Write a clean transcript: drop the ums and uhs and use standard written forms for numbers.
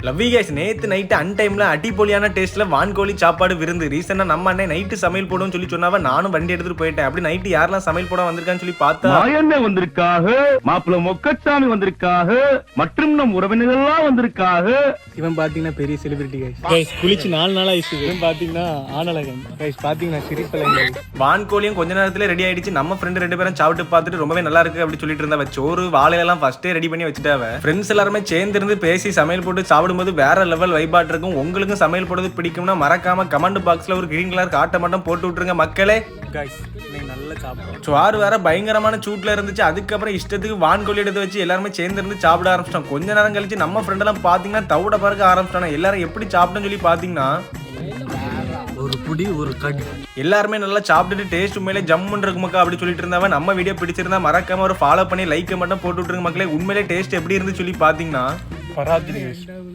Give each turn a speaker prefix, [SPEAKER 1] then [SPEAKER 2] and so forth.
[SPEAKER 1] லவ்வி guys, நேத்து night அன்டைம்ல அடிப்பொலியான டேஸ்ட்ல வான்கோழி சாப்பாடு விருந்து. ரீசெண்டா நம்ம அண்ணன் நைட்டு சமையல் போடுன்னு சொல்லி சொன்னாவ நானும் வண்டி எடுத்துட்டு போயிட்டேன். அப்படி நைட்டு யாரெல்லாம் சமையல் போட வந்திருக்கான்னு சொல்லி பார்த்தா
[SPEAKER 2] மாயண்ணே வந்திருக்காக, மாப்பிள்ள மொக்கச்சாமி வந்திருக்காக, மற்றும் நம் உறவினர்கள்லாம் வந்திருக்காக.
[SPEAKER 3] இவன் பாத்தீங்கன்னா பெரிய செலிபிரிட்டி கைஸ். குளிச்சு 4 நாள் ஆயிடுச்சு. இவன் பாத்தீங்கன்னா ஆனலகன் கைஸ். பாத்தீங்கன்னா சிரிப்பலங்க.
[SPEAKER 1] வான்கோழியும் கொஞ்ச நேரத்துல ரெடி ஆயிடுச்சு. நம்ம ஃப்ரெண்ட் 2 பேரும் சாப்பிட்டு பார்த்துட்டு ரொம்பவே நல்லா இருக்கு அப்படி சொல்லிட்டு இருந்தாவ. சோறு வாழையெல்லாம் ஃபர்ஸ்டே ரெடி பண்ணி வச்சுட்டாவ. ஃப்ரெண்ட்ஸ் எல்லாருமே சேர்ந்து இருந்து பேசி சமையல் போட்டு சாப்பிடும்போது வேற லெவல் வைபாட் இருக்கும். உங்களுக்கும் சமையல் போடுறது பிடிக்கும்னா மறக்காம கமெண்ட் பாக்ஸ்ல ஒரு கிரீன் கலர் காட்ட மட்டும் போட்டு விட்டுருங்க மக்களே.
[SPEAKER 3] கைஸ் நீங்க நல்லா சாப்பிடுங்க.
[SPEAKER 1] சோறு வேற பயங்கரமான சூட்ல இருந்துச்சு. அதுக்கப்புறம் இஷ்டத்துக்கு வான்கோழி எடுத்து வச்சு எல்லாருமே சேர்ந்து இருந்து சாப்பிட ஆரம்பிச்சிட்டோம். கொஞ்ச நேரம் கழிச்சு நம்ம ஃப்ரெண்ட் எல்லாம் பாத்தீங்கன்னா தவிட பறக்க ஆரம்பிச்சிட்டாங்க. எல்லாரும் எப்படி சாப்பிட்டோன்னு சொல்லி பாத்தீங்கன்னா
[SPEAKER 3] ஒரு புடி ஒரு கடி
[SPEAKER 1] எல்லாருமே நல்லா சாப்பிட்டுட்டு டேஸ்ட் உண்மையிலே ஜம்முன்னு இருக்கு மக்கா அப்படி சொல்லிட்டு இருந்தாவ. நம்ம வீடியோ பிடிச்சிருந்தா மறக்காம ஒரு ஃபாலோ பண்ணி லைக் மட்டும் போட்டு விட்டுருங்க மக்களே. உண்மையிலே டேஸ்ட் எப்படி இருந்து சொல்லி பாத்தீங்கன்னா
[SPEAKER 3] பராஜி.